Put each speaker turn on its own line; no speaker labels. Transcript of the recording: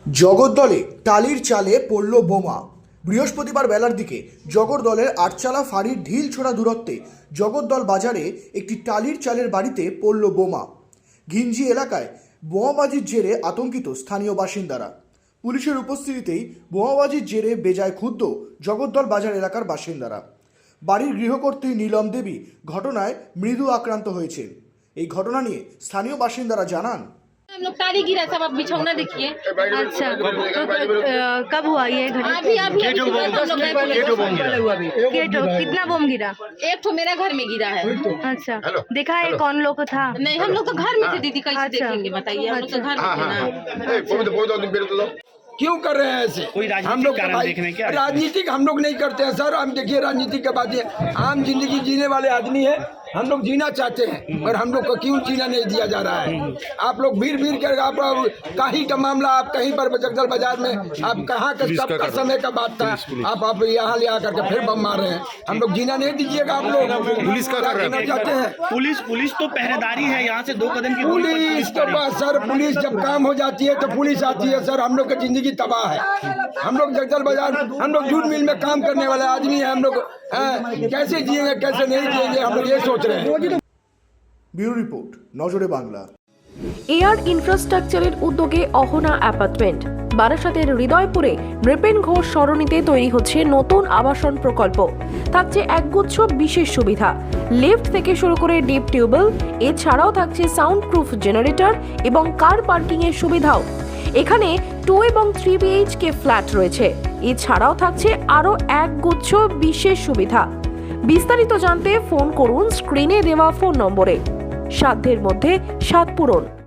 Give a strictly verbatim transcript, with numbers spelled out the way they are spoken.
জগদ্দলে টালির চালে পড়ল বোমা। বৃহস্পতিবার বেলার দিকে জগদ্দলের আটচালা ফাঁড়ির ঢিল ছোড়া দূরত্বে জগদ্দল বাজারে একটি টালির চালের বাড়িতে পড়ল বোমা। ঘিঞ্জি এলাকায় বোমাবাজির জেরে আতঙ্কিত স্থানীয় বাসিন্দারা। পুলিশের উপস্থিতিতেই বোমাবাজির জেরে বেজায় ক্ষুব্ধ জগদ্দল বাজার এলাকার বাসিন্দারা। বাড়ির গৃহকর্ত্রী নীলম দেবী ঘটনায় মৃদু আক্রান্ত হয়েছেন। এই ঘটনা নিয়ে স্থানীয় বাসিন্দারা জানান,
हम लोग तारी गिरा सब, आप बिछौना देखिए।
अच्छा, तो अ, कब हुआ ये घटना?
अभी अभी अभी हम लोग गए पुलिस स्टेशन।
केटो कितना बम गिरा?
एक तो मेरा घर में गिरा है।
अच्छा, देखा है कौन लोग था?
नहीं, हम लोग तो घर में थे दीदी, कैसे
अच्छा।
देखेंगे बताइए, हम लोग तो घर में थे ना।
क्यों कर रहे हैं ऐसे?
कोई राजनीतिक
हम लोग
कारण
भाई-
देखने क्या?
राजनीतिक हम लोग नहीं करते हैं सर। हम देखिए राजनीतिक के बात ये आम जिंदगी जीने वाले आदमी है, हम लोग जीना चाहते हैं और हम लोग को क्यों जीना नहीं दिया जा रहा है? आप लोग भीड़ भीड़ कर आप कहीं का मामला, आप कहीं पर जगदल बाजार में आप कहाँ का कब का समय का बात था, आप आप यहाँ ले आकर के फिर बम मार रहे हैं। हम लोग जीना नहीं दीजिएगा। आप लोग पुलिस का करना चाहते हैं।
पुलिस पुलिस तो पहरेदारी है, यहाँ से दो कदम की दूरी पर
पुलिस तो बस सर, पुलिस जब काम हो जाती है तो पुलिस आती है सर। हम लोग की जिंदगी तबाह है। हम लोग जगदल बाजार, हम लोग जूट मिल में काम करने वाले आदमी हैं। हम लोग हैं, कैसे जिएंगे कैसे नहीं जिएंगे, हम लोग ये सोच रहे हैं।
ব্যুরো রিপোর্ট, নজরে বাংলা।
এয়ার ইনফ্রাস্ট্রাকচারের উদ্যোগে অহনা অ্যাপার্টমেন্ট বারাসাতের হৃদয়পুরে নৃপেন ঘোষ সরণিতে তৈরি হচ্ছে নতুন আবাসন প্রকল্প। থাকছে একগুচ্ছ বিশেষ সুবিধা, লিফট থেকে শুরু করে ডিপ টিউবওয়েল, এছাড়াও থাকছে সাউন্ড প্রুফ জেনারেটর এবং কার পার্কিং এর সুবিধাও। এখানে টু এবং থ্রি বিএইচকে ফ্ল্যাট রয়েছে। এছাড়াও থাকছে আরও একগুচ্ছ বিশেষ সুবিধা। বিস্তারিত জানতে ফোন করুন স্ক্রিনে দেওয়া ফোন নম্বরে। সাধ্যের মধ্যে সাত পূরণ।